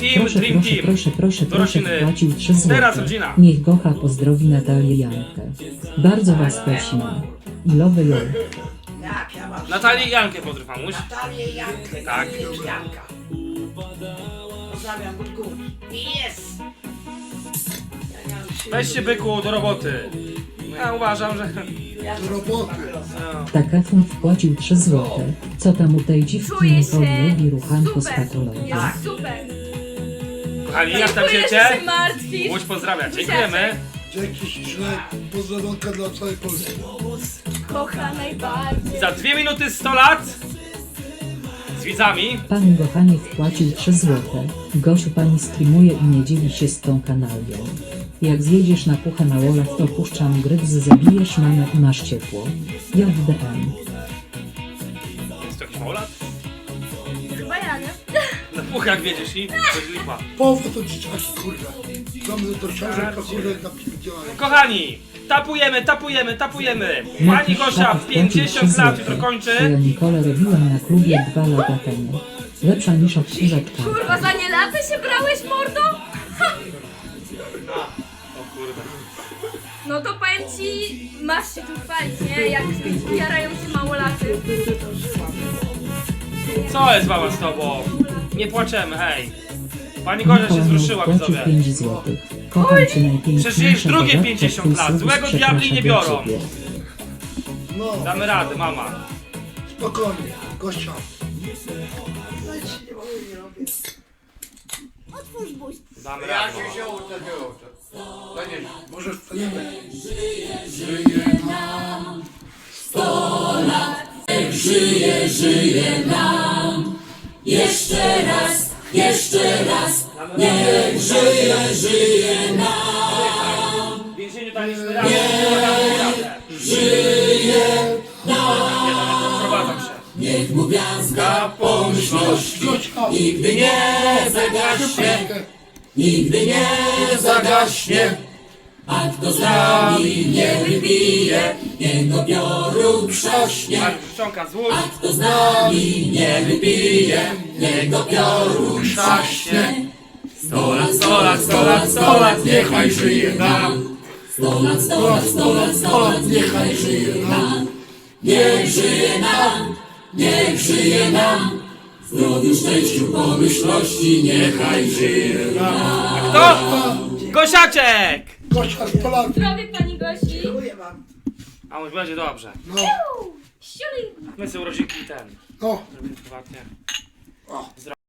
Team, Dream Team. Proszę, Do rodziny. wpłacił 3 zł. Teraz rodzina. Niech Gocha pozdrowi Natalię Jankę. Bardzo was prosimy. I love you. Jak ja mam Natalię i Jankę pozdrów, mamuś. Natalię i Jankę. Tak. Janka. Pozdrawiam od góry. Jest! Ja miałem siły. Weźcie byku do roboty. Ja uważam, że... Ja Do roboty. No. Takafun wpłacił 3 zł. Co tam u tej dziwki Czuję Nicole się lubi ruchanko z super. patologią. Jest super. Kochani, jak tam Dziękuję, wiecie? że się martwisz. Łódź pozdrawia. Dziękujemy. Dzięki śliczne. Pozdrowionka dla całej Polski. Kocha najbardziej. Za 2 minuty 100 lat z widzami. Pani Gochanie wpłacił 3 zł. Gosiu, pani streamuje i nie dzieli się z tą kanalią. Jak zjedziesz na puchę na łolach, to puszczam gryz, zabijesz mamę i masz ciepło. JDM. Jest to jakiś małolat? Chyba ja, nie? Na puchach wiedziesz i coś lipa. Połowę to dzieciaki, kurde. Mamy do książek, kurde, napierdzielają. Kochani, tapujemy. Pani Gosia w 50 lat jutro kończy. Ja Nicole robiłem na klubie 2 lata temu. Lepsza niż odkurzaczka. Kurwa, za nie latę się brałeś, mordo? O kurde. No to powiem ci, masz się tu chwalić, nie? Jak jarają się małolaty. Co jest mama z tobą? Nie płaczemy, hej. Pani Gosia się wzruszyła, wpłacił widzowie. 5 zł. Kocham cię najpiękniejsza. Przecież jej drugie dodatka, 50 lat. twój Złego serwis diabli nie przeprasza biorą. dla ciebie. No, Damy radę, mama. spokojnie. Gościa. No nic nie mogę, nie robię. Damy radę. Może wstaniemy. W więzieniu daliśmy radę. Żyje nam. Wprowadzam się. Niech mu gwiazdka pomyślności nigdy nie zagaśnie, nigdy nie zagaśnie. A kto z nami nie wypije, niego piorun trzaśnie. Marek Życzonka, złóż. A kto z nami nie wypije, niego piorun trzaśnie. 100 lat, 100 lat, 100 lat, 100 lat, niechaj żyje nam. 100 lat, 100 lat, 100 lat, 100 lat, niechaj żyje nam. Niech żyje nam, niech żyje nam. W zdrowiu, szczęściu, pomyślności, niechaj żyje nam. Kto? Gosiaczek! Gościa 100 lat. Zdrowie pani Gosi. Dziękuję wam. A już będzie dobrze. No, Siuli. My sobie urodzinki ten. no. Zrobimy prywatnie.